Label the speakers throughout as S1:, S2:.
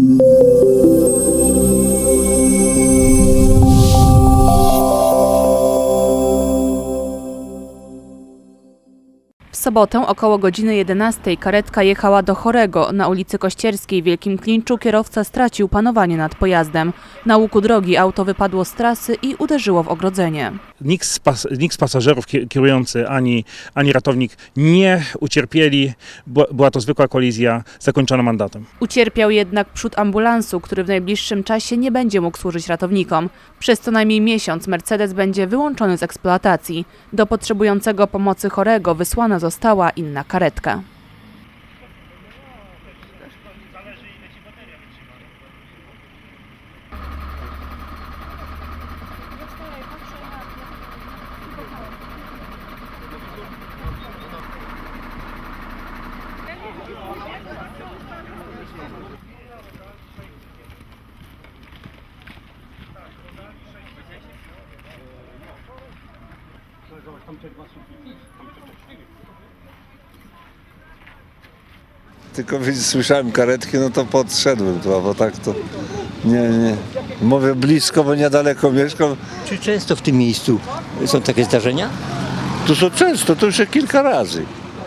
S1: W sobotę około godziny 11 karetka jechała do Chorego. Na ulicy Kościerskiej w Wielkim Klinczu kierowca stracił panowanie nad pojazdem. Na łuku drogi auto wypadło z trasy i uderzyło w ogrodzenie.
S2: Nikt z pasażerów, kierujący ani ratownik nie ucierpieli. Była to zwykła kolizja zakończona mandatem.
S1: Ucierpiał jednak przód ambulansu, który w najbliższym czasie nie będzie mógł służyć ratownikom. Przez co najmniej miesiąc Mercedes będzie wyłączony z eksploatacji. Do potrzebującego pomocy Chorego wysłana została inna karetka.
S3: Tylko słyszałem karetki, no to podszedłem tu, bo tak to nie. Mówię blisko, bo niedaleko mieszkam.
S4: Czy często w tym miejscu są takie zdarzenia?
S3: Tu są często, to już kilka razy.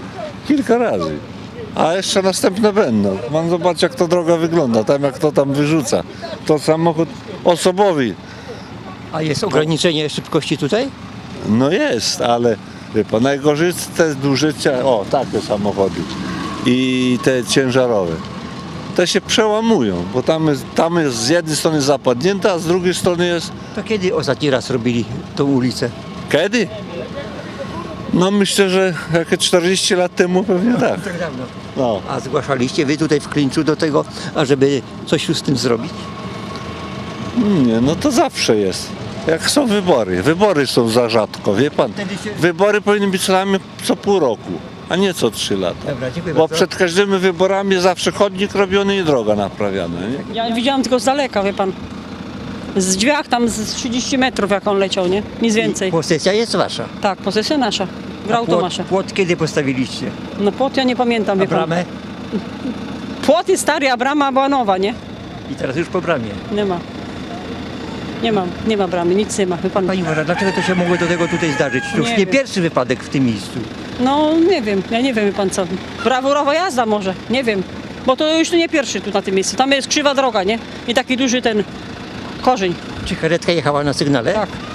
S3: A jeszcze następne będą. Mam zobaczyć, jak to droga wygląda, tam jak to tam wyrzuca. To samochód osobowy.
S4: A jest ograniczenie szybkości tutaj?
S3: No jest, ale wie pan, najgorzej te duże, takie samochody i te ciężarowe. Te się przełamują, bo tam jest z jednej strony zapadnięta, a z drugiej strony jest...
S4: To kiedy ostatni raz robili tą ulicę?
S3: Kiedy? No myślę, że jakieś 40 lat temu pewnie tak.
S4: Tak dawno.
S3: No.
S4: A zgłaszaliście wy tutaj w Klinczu do tego, ażeby coś z tym zrobić?
S3: Nie, no to zawsze jest. Jak są wybory. Wybory są za rzadko, wie pan. Wybory powinny być co najmniej co pół roku, a nie co 3 lata.
S4: Dobra, dziękuję
S3: Bo
S4: bardzo.
S3: przed każdymi wyborami zawsze chodnik robiony i droga naprawiana, nie?
S5: Ja widziałam tylko z daleka, wie pan. Z drzwiach tam z 30 metrów jak on leciał, nie? Nic więcej.
S4: Posesja jest wasza.
S5: Tak, posesja nasza. Grał nasza.
S4: Płot kiedy postawiliście?
S5: No płot ja nie pamiętam,
S4: A
S5: wie pan.
S4: bramę?
S5: Płot jest stary, a brama była nowa, nie?
S4: I teraz już po bramie.
S5: Nie ma. Nie ma bramy, nic nie ma, wie pan.
S4: Pani Wora, dlaczego to się mogło do tego tutaj zdarzyć? To już
S5: Nie
S4: nie
S5: wiem.
S4: pierwszy wypadek w tym miejscu.
S5: No nie wiem, ja nie wiem, wie pan co. Brawurowa jazda może, nie wiem. Bo to już nie pierwszy tu na tym miejscu. Tam jest krzywa droga, nie? I taki duży ten korzeń.
S4: Czy karetka jechała na sygnale?
S5: Tak.